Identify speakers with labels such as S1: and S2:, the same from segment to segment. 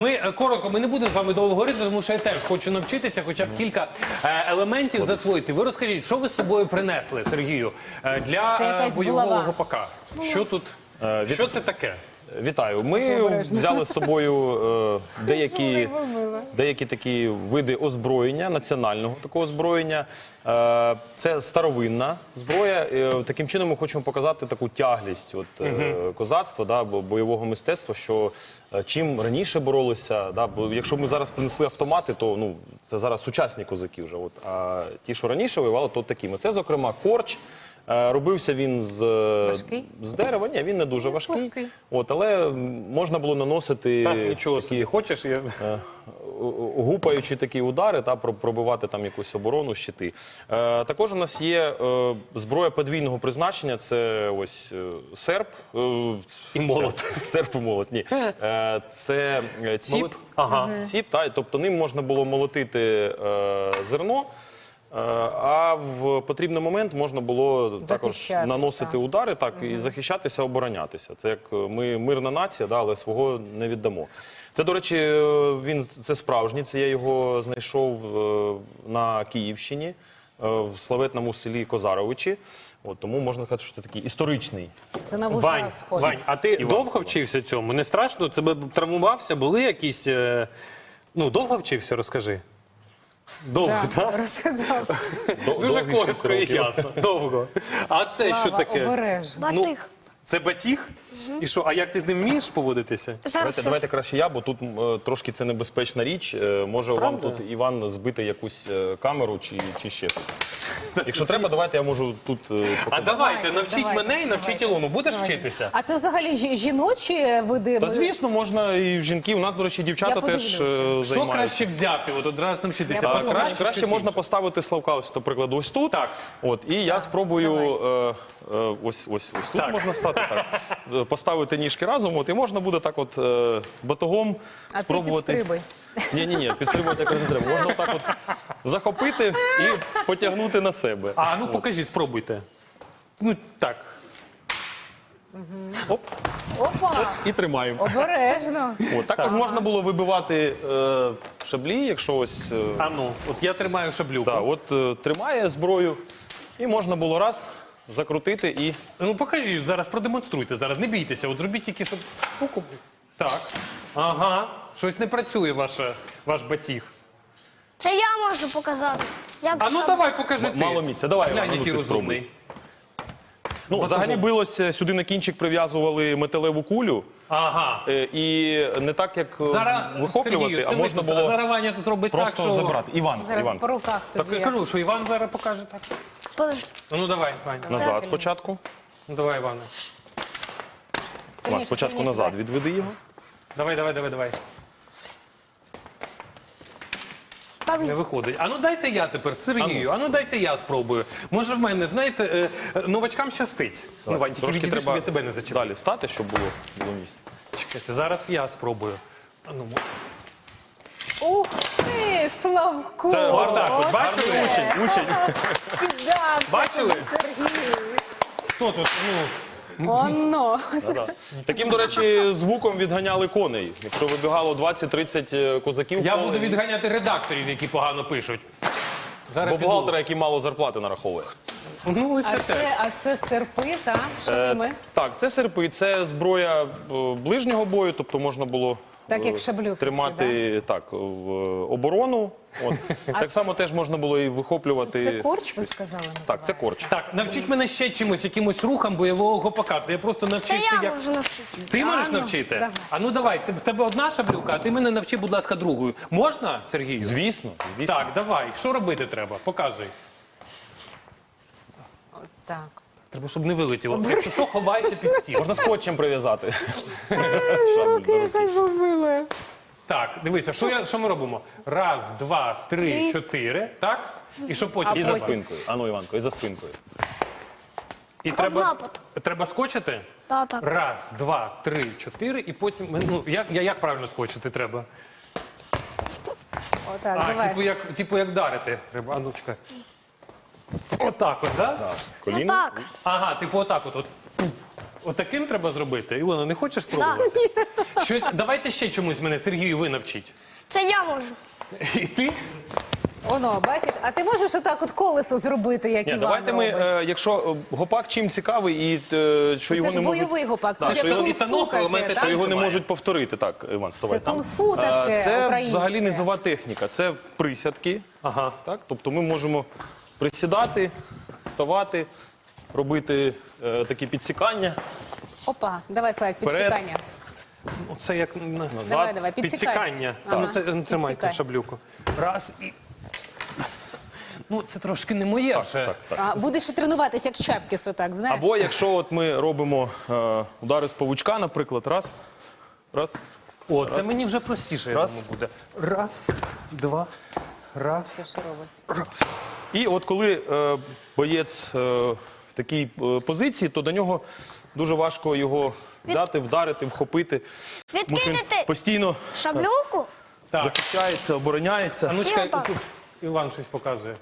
S1: Коротко, ми не будемо з вами довго говорити, тому що я теж хочу навчитися хоча б кілька елементів засвоїти. Ви розкажіть, що ви з собою принесли, Сергію, для бойового гопака? Що тут, що це таке?
S2: Вітаю. Ми взяли з собою деякі такі види озброєння, національного такого озброєння. Це старовинна зброя. Таким чином ми хочемо показати таку тяглість козацтва, бойового мистецтва, що чим раніше боролися, бо якщо ми зараз принесли автомати, то це зараз сучасні козаки вже. А ті, що раніше воювали, то такими. Це, зокрема, корч. Робився він з дерева, ні, він не дуже важкий, але можна було наносити такі,
S1: хочеш,
S2: гупаючі такі удари, пробивати там якусь оборону, щити. Також у нас є зброя подвійного призначення, це ось серп
S1: і молот.
S2: Серп і молот, ні. Це ціп, тобто ним можна було молотити зерно. А в потрібний момент можна було також наносити удари і захищатися, оборонятися. Це як ми мирна нація, але свого не віддамо. Це, до речі, це справжній, це я його знайшов на Київщині, в славетному селі Козаровичі. Тому можна сказати, що це такий історичний.
S3: Це на вуша схоже.
S1: Вань, а ти довго вчився цьому? Не страшно? Тебе травмувався? Були якісь... довго вчився, розкажи. Довго, так?
S3: Розказав.
S1: Дуже коротко і ясно. Довго. А це що таке?
S3: Обережно.
S4: Батиг.
S1: Це батіг? І що, а як ти з ним вмієш поводитися?
S2: Давайте краще я, бо тут трошки це небезпечна річ. Може вам тут, Іван, збити якусь камеру чи ще щось. Якщо треба, давайте я можу тут показати.
S1: А давайте, навчіть мене і навчіть Ілону. Будеш вчитися?
S3: А це взагалі жіночі види?
S2: Та звісно, можна і жінки. У нас, до речі, дівчата теж займаються.
S1: Що краще взяти, одразу навчитися?
S2: Краще можна поставити Славка, ось, до прикладу, ось тут. Так. І я спробую, ось тут можна стати, так. Поставити ніжки разом, і можна буде так батогом спробувати.
S3: А ти підстрибуй.
S2: Ні, підстрибувати якраз не треба. Можна так захопити і потягнути на себе.
S1: Покажіть, спробуйте. Так. Оп.
S3: Опа!
S2: І тримаємо.
S3: Обережно.
S2: Також можна було вибивати шаблі, якщо ось...
S1: От я тримаю шаблюку.
S2: Тримає зброю, і можна було раз закрутити і...
S1: Покажіть, зараз продемонструйте, зараз не бійтеся, зробіть тільки, щоб... Так, ага, щось не працює ваш батіг.
S4: Це я можу показати.
S1: Давай, покажи ти.
S2: Мало місця, давай,
S1: Глянь, який
S2: ти спробуй.
S1: розумний.
S2: Взагалі билося, сюди на кінчик прив'язували металеву кулю.
S1: Ага.
S2: І не так, як вихоплювати,
S1: Сергію,
S2: а можна було
S1: зараз Ваня зробить так,
S2: просто
S1: що...
S2: забрати. Іван.
S3: Зараз по руках
S1: Так
S3: тобі.
S1: я кажу, що Іван зараз покаже так. Давай, Ваня.
S2: Назад спочатку.
S1: Давай, Іване.
S2: Спочатку назад відведи його.
S1: Давай. Не виходить. Дайте я тепер, Сергію, дайте я спробую. Може в мене, знаєте, новачкам щастить. Вань, тільки відійди, щоб я тебе не зачепив.
S2: Далі стати, щоб було місце.
S1: Чекайте, зараз я спробую.
S3: Ух ти, Славко!
S2: Це
S1: Отак, бачили?
S2: Учень.
S3: Піддався
S1: Бачили?
S3: тобі, Сергій.
S1: Хто тут?
S3: Оно.
S2: Таким, до речі, звуком відганяли коней. Якщо вибігало 20-30 козаків...
S1: Я буду відганяти редакторів, які погано пишуть.
S2: Бо бухгалтера, який мало зарплати нараховує.
S3: А це серпи, так? Що ними?
S2: Так, це серпи, це зброя ближнього бою, тобто можна було
S3: Так, як шаблюки
S2: тримати оборону. Так само теж можна було і вихоплювати...
S3: Це корч, ви сказали, називається?
S2: Так, це корч.
S1: Так, навчіть мене ще чимось, якимось рухам бойового гопака. Це я просто
S4: Це
S1: навчився,
S4: я
S1: як...
S4: можу навчити.
S1: Ти можеш навчити?
S3: Давай.
S1: Давай, в тебе одна шаблюка, а ти мене навчи, будь ласка, другою. Можна, Сергію?
S2: Звісно.
S1: Так, давай. Що робити треба? Показуй.
S3: Так.
S1: Треба, щоб не вилетіло. Якщо що, ховайся під стіл.
S2: Можна скотчем прив'язати.
S1: Так, дивися, що ми робимо? Раз, два, три, чотири, так? І що потім?
S2: І за спинкою. Іванко, і за спинкою.
S1: І треба скочити?
S4: Так.
S1: Раз, два, три, чотири, і потім... Як правильно скочити треба?
S3: Отак, давай.
S1: Типу як дарити треба. Чекай. Отак от, так?
S2: Так. Коліно.
S4: Так.
S1: Ага, типу отак от. Отаким треба зробити? Ілона, не хочеш спробувати? Щось, давайте ще чомусь мене, Сергію, ви навчіть.
S4: Це я можу.
S1: І ти?
S3: Оно, бачиш, а ти можеш отак от колесо зробити, як
S2: Ні,
S3: Іван
S2: давайте ми,
S3: робить?
S2: Якщо гопак чим цікавий, і що
S3: Це
S2: його
S3: ж
S2: не можуть...
S3: бойовий гопак, це
S2: Так,
S3: ж
S2: що його-
S3: кунг-фу
S1: і танок,
S3: таке,
S1: елементи
S3: так?
S2: Що його не
S1: Танцюває.
S2: можуть повторити. Так, Іван, вставай
S3: Це
S2: там.
S3: кунг-фу таке,
S2: Це
S3: українське.
S2: взагалі низова техніка, це присядки.
S1: Ага.
S2: Так? Тобто ми можемо присідати, вставати, робити такі підсікання.
S3: Опа, давай, Славік,
S2: Вперед.
S3: підсікання.
S1: Оце як
S3: Давай, давай,
S1: підсікання.
S3: Ага.
S1: Ну, це, тримайте
S3: Підсікай.
S1: шаблюку. Раз і... Ну, це трошки не моє вже.
S2: Так, так.
S3: А, будеш і тренуватися, як Чепкіс, отак, знаєш?
S2: Або якщо от ми робимо удари з павучка, наприклад, раз,
S1: О, це мені вже простіше, я
S2: Раз.
S1: думаю, буде. Раз, два, раз.
S3: Це що робить?
S2: І от коли боєць в такій позиції, то до нього дуже важко його взяти, вдарити, вхопити. Тому що він
S4: Відкинете
S2: постійно
S4: шаблюку.
S1: Так.
S2: захищається, обороняється.
S1: А ну чекай,
S4: отак.
S1: тут Іван щось показує.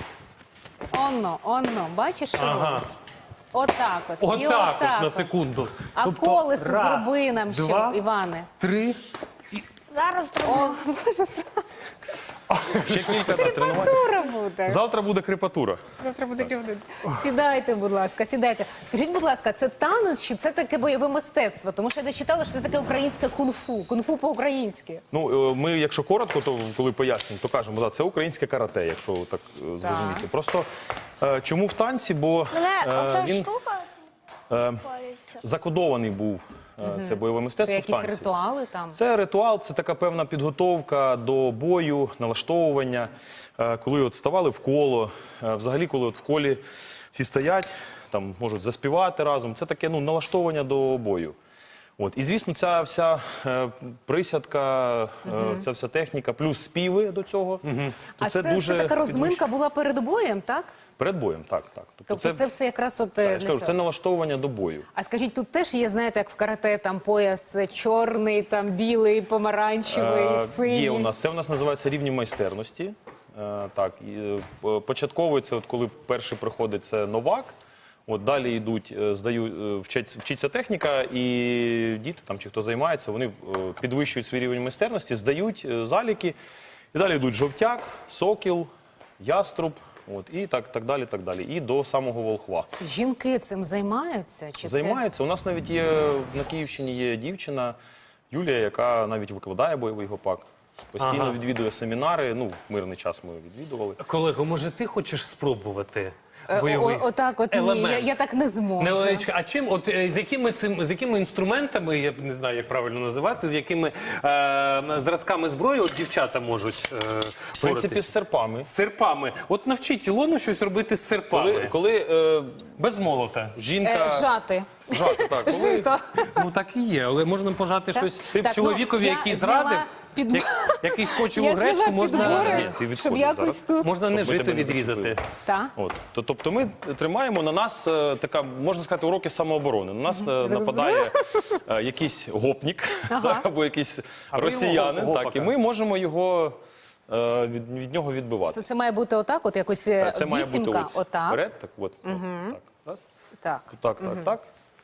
S3: Оно, бачиш, що робить?
S1: Ага.
S3: Отак от. І
S1: Отак от, на
S3: от.
S1: секунду.
S3: А
S1: Тобто,
S3: колесо
S1: раз,
S3: зроби нам ще,
S1: два,
S3: Іване.
S1: 3.
S4: Зараз зроблю.
S3: О, Боже,
S2: Ще кілька тренувань.
S3: крепатура буде.
S2: Завтра буде крепатура.
S3: Завтра буде кривдити. Сідайте, будь ласка, сідайте. Скажіть, будь ласка, це танець чи це таке бойове мистецтво? Тому що я дочитала, що це таке українське кунг-фу. Кунг-фу по-українськи.
S2: Ну, ми, якщо коротко, то коли пояснюємо, то кажемо, да, це українське карате, якщо так зрозуміти. Просто чому в танці? Бо
S4: Мене оця
S2: він
S4: штука палиться.
S2: закодований був, це бойове
S3: Це
S2: мистецтво в
S3: якісь
S2: танці.
S3: ритуали там.
S2: Це ритуал, це така певна підготовка до бою, налаштовування. Коли от ставали в коло, взагалі, коли от в колі всі стоять, там можуть заспівати разом. Це таке налаштовування до бою. От. І, звісно, ця вся присядка, ця вся техніка, плюс співи до цього. То
S3: А це така розминка була перед боєм, так?
S2: Перед боєм, так.
S3: Тобто це все якраз от
S2: я
S3: для
S2: ж кажу,
S3: цього.
S2: це налаштовування до бою.
S3: А скажіть, тут теж є, знаєте, як в карате, там пояс чорний, там білий, помаранчевий, синій?
S2: Є у нас. Це у нас називається рівні майстерності. Так, і, початковий це от коли перший приходить, це новак. От далі йдуть, вчиться техніка, і діти там чи хто займається, вони підвищують свій рівень майстерності, здають заліки, і далі йдуть жовтяк, сокіл, яструб. От, і так далі, так далі. І до самого волхва.
S3: Жінки цим займаються? Чи
S2: Займаються. У нас навіть є на Київщині є дівчина Юлія, яка навіть викладає бойовий гопак. Постійно
S1: Ага.
S2: відвідує семінари. Ну, в мирний час ми відвідували.
S1: Колего, може ти хочеш спробувати
S3: Це?
S1: бойовий
S3: Отак от ні,
S1: елемент?
S3: я так не зможу.
S1: Невеличка. А чим, от з якими інструментами, я не знаю, як правильно називати, з якими зразками зброї от дівчата можуть
S2: В принципі, з серпами.
S1: З серпами. От навчіть Ілону щось робити з серпами.
S2: Коли
S1: Без молота.
S2: жінка...
S3: Жати.
S2: Жати, так. Коли...
S3: Жито.
S1: Ну так і є, але можна пожати щось
S3: Так,
S1: чоловікові,
S3: я
S1: який
S3: зняла
S1: зрадив,
S3: під-
S1: який скочив
S3: Я
S1: у гречку,
S3: зняла
S1: можна,
S3: підбори,
S2: Ні, ти
S3: щоб
S2: відходиш
S3: якось
S2: зараз.
S3: тут.
S1: можна не
S2: Щоб ви
S1: жито
S2: тебе не
S1: відрізати.
S2: зачепили.
S3: Так.
S2: От. Тобто ми тримаємо на нас така, можна сказати, уроки самооборони. На нас нападає якийсь гопнік так, або якийсь
S1: А ви
S2: росіянин,
S1: йому
S2: так, і
S1: гопака.
S2: ми можемо його від нього відбивати.
S3: Це має бути отак, от якось
S2: Це має бути
S3: вісімка,
S2: ось
S3: отак.
S2: вперед, так, от, так, раз,
S3: Так.
S2: так.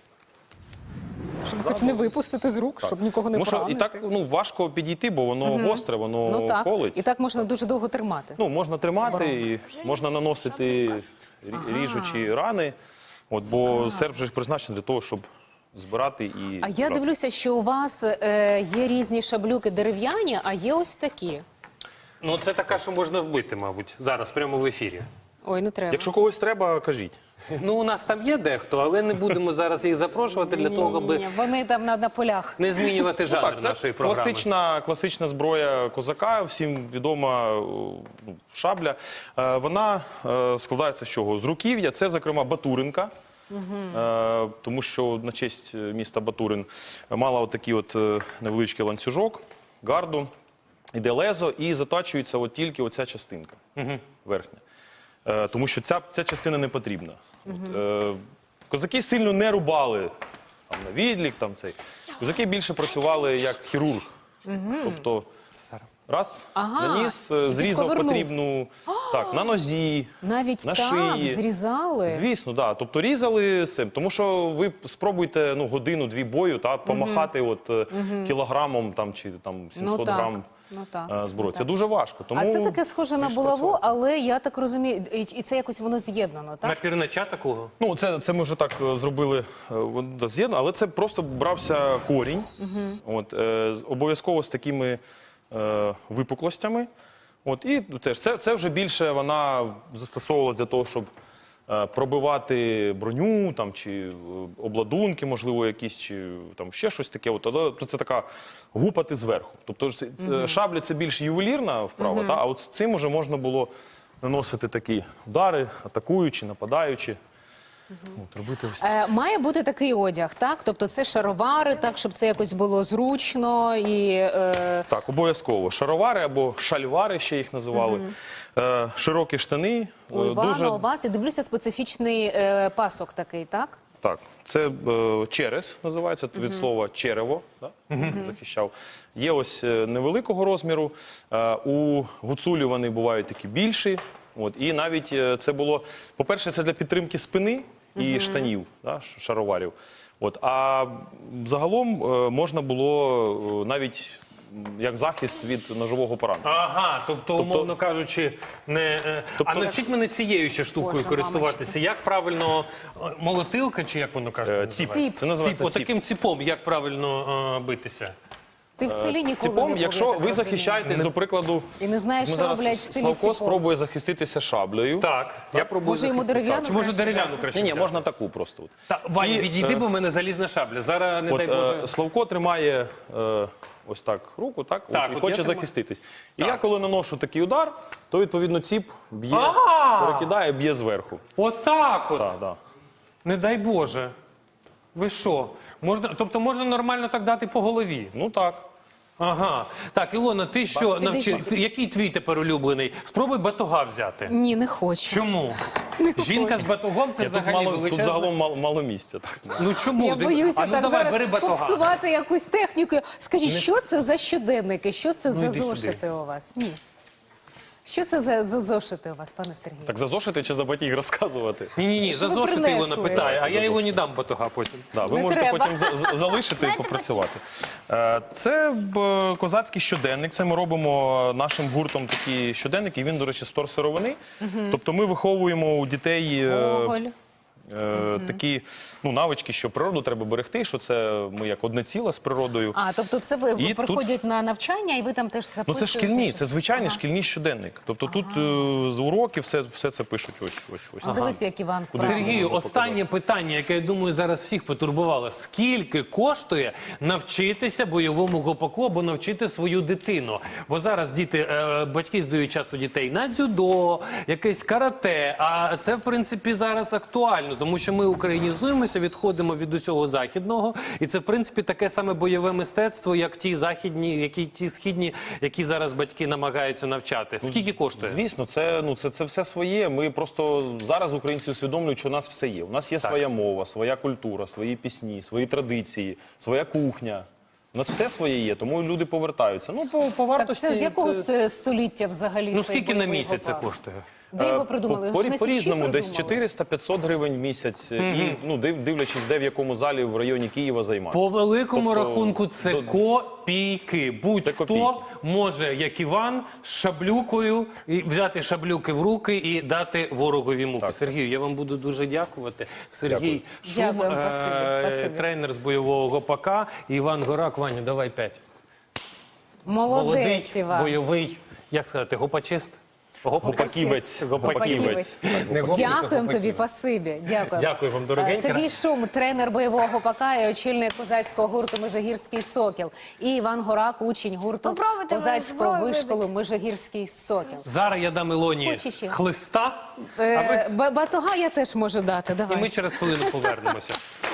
S3: Щоб хоч не випустити з рук, щоб нікого не
S2: Тому що і
S3: поранити.
S2: так важко підійти, бо воно гостре, воно
S3: Ну так.
S2: колить.
S3: І так можна дуже довго тримати.
S2: Ну, можна тримати, і можна наносити ріжучі рани, от, бо серп вже призначений для того, щоб збирати і...
S3: А я дивлюся, що у вас є різні шаблюки дерев'яні, а є ось такі.
S1: Ну це така, що можна вбити, мабуть, зараз, прямо в ефірі.
S3: Ой, не треба.
S2: Якщо когось треба, кажіть.
S1: Ну, у нас там є дехто, але не будемо зараз їх запрошувати для того, аби
S3: Ні, вони там на полях.
S1: не змінювати жанр
S2: Так, це
S1: нашої програми.
S2: класична зброя козака, всім відома шабля. Вона складається з чого? З руків'я, це, зокрема, Батуринка. Тому що на честь міста Батурин мала отакий от невеличкий ланцюжок, гарду, іде лезо і затачується от тільки оця частинка верхня. Тому що ця частина не потрібна. Козаки сильно не рубали там, на відлік, там, цей. Козаки більше працювали як хірург. Тобто раз,
S3: Ага,
S2: наніс,
S3: і
S2: зрізав
S3: підковернув.
S2: потрібну Так, на нозі,
S3: Навіть
S2: на
S3: так,
S2: шиї.
S3: зрізали.
S2: Звісно, да. Тобто різали цим. Тому що ви спробуйте годину-дві бою помахати кілограмом там, чи там 700
S3: Ну так,
S2: грам
S3: ну так.
S2: зброї. Це дуже важко. Тому
S3: А це таке схоже на
S2: більш
S3: булаву,
S2: працювати.
S3: але я так розумію, і це якось воно з'єднано, так?
S1: Напірнача такого?
S2: Ну, це ми вже так зробили з'єднано, але це просто брався корінь, обов'язково з такими випуклостями. І теж це вже більше вона застосовувалася для того, щоб пробивати броню там, чи обладунки, можливо, якісь, чи там ще щось таке. Але це така гупати зверху. Тобто шабля – це більш ювелірна вправа, а от з цим вже можна було наносити такі удари, атакуючи, нападаючи. Робити ось.
S3: Має бути такий одяг, так? Тобто це шаровари, так, щоб це якось було зручно і...
S2: Так, обов'язково. Шаровари або шальвари, ще їх називали. Широкі штани.
S3: У Івана,
S2: дуже...
S3: у вас, я дивлюся, специфічний пасок такий, так?
S2: Так, це черес називається, від слова черево, захищав. Є ось невеликого розміру, у гуцулів вони бувають такі більші. І навіть це було, по-перше, це для підтримки спини і штанів, шароварів. А загалом можна було навіть як захист від ножового поранення.
S1: Ага, тобто, умовно кажучи, не... А навчіть мене цією ще штукою
S3: Боже,
S1: користуватися. Як правильно, молотилка, чи як воно кажуть?
S2: Ціп.
S3: Ціп.
S2: Це називається ціп.
S1: Таким ціпом, як правильно битися?
S3: Ти в селі ніколи не
S2: Ціпом,
S3: був,
S2: якщо
S3: я так
S2: ви
S3: розумію.
S2: захищаєтесь, до прикладу,
S3: І не знаєш, що роблять в селі
S2: Славко
S3: ціпом.
S2: спробує захиститися шаблею.
S1: Так, я пробую
S3: Може, йому
S1: захистити.
S3: дерев'яну
S1: Чи може
S3: краще
S1: дерев'яну
S3: дати?
S1: краще
S2: Ні,
S1: взяти?
S2: можна таку просто.
S1: Та, Ваня,
S2: І,
S1: відійди, бо в мене залізна шабля. Зараз, не дай Боже...
S2: Славко тримає ось так руку,
S1: Так,
S2: і
S1: от
S2: хоче
S1: я тримаю.
S2: захиститись. І
S1: Так.
S2: я, коли наношу такий удар, то, відповідно, ціп б'є, перекидає, б'є зверху.
S1: Отак от.
S2: Так.
S1: Не дай Боже. Ви що? Тобто можна нормально так дати по голові?
S2: Ну так.
S1: Ага. Так, Ілона, ти що навчив?
S3: Підійдіть.
S1: Який твій тепер улюблений? Спробуй батога взяти.
S3: Ні, не хочу.
S1: Чому? Жінка з батогом це
S2: Тут,
S1: взагалі
S2: тут
S1: величезна.
S2: загалом мало місця. Так.
S1: Ну чому?
S3: Я боюся
S1: ну
S3: так
S1: давай, бери
S3: зараз
S1: батога.
S3: попсувати якусь техніку. Скажіть, що це за щоденники? Що це за
S1: йди сюди.
S3: зошити у вас? Ні. Що це за зошити у вас, пане Сергію?
S2: Так за зошити чи за батіг розказувати?
S1: Ні,
S3: Що ви
S1: зазошити
S3: принесли?
S1: Ілона питає, а я його не дам батога потім.
S2: Да, ви
S3: Не
S2: можете
S3: треба.
S2: потім залишити і попрацювати. Це козацький щоденник. Це ми робимо нашим гуртом такі щоденники. Він, до речі, з вторсировини. Тобто ми виховуємо у дітей
S3: Гоголь.
S2: такі навички, що природу треба берегти, що це ми як одне ціле з природою.
S3: А, тобто це ви
S2: І
S3: приходять на навчання, і ви там теж записуєте?
S2: Ну це шкільні, це звичайний шкільний щоденник. Тобто тут з уроків все це пишуть. Ось.
S3: Дивись, як Іван вправо.
S1: Сергію,
S2: можна
S1: останнє питання, яке, я думаю, зараз всіх потурбувало. Скільки коштує навчитися бойовому гопаку або навчити свою дитину? Бо зараз батьки здають часто дітей на дзюдо, якесь карате, а це, в принципі, зараз актуально, тому що ми українізуємося, відходимо від усього західного, і це, в принципі, таке саме бойове мистецтво, як ті західні, ті східні, які зараз батьки намагаються навчати. Скільки коштує?
S2: Звісно, це все своє. Ми просто зараз українці усвідомлюють, що у нас все є. У нас є своя мова, своя культура, свої пісні, свої традиції, своя кухня. У нас все своє є, тому люди повертаються. По
S3: Так
S2: вартості...
S3: це з якого століття взагалі
S1: Ну,
S3: цей
S1: скільки на
S3: бойовий
S1: місяць це
S3: гопак?
S1: коштує?
S3: Де його придумали?
S2: По
S3: Ж на Січі
S2: різному, десь
S3: придумали?
S2: 400-500 гривень в місяць. І, дивлячись, де в якому залі в районі Києва займати.
S1: По великому
S2: Тобто,
S1: рахунку це копійки.
S2: Це
S1: Будь-хто
S2: копійки.
S1: може, як Іван, з шаблюкою, взяти шаблюки в руки і дати ворогові муки. Сергію, я вам буду дуже дякувати. Сергій Шум,
S3: Дякую, спасибі.
S1: тренер з бойового гопака. І Іван Горак. Ваню, давай 5.
S3: Молодець, Іван.
S1: бойовий, як сказати, гопачист?
S2: Гопаківець.
S3: Гопаківець. Дякуємо тобі, спасибі. Дякую.
S1: Дякую вам, дорогенька.
S3: Сергій Шум, тренер бойового гопака і очільник козацького гурту «Межигірський сокіл». І Іван Горак, учень гурту
S4: Попробуйте мою
S3: козацького
S4: зброю
S3: вишколу «Межигірський сокіл».
S1: Зараз я дам Ілоні
S3: Хочеш ще?
S1: хлиста,
S3: Батога я теж можу дати,
S1: і
S3: давай.
S1: ми через хвилину повернемося.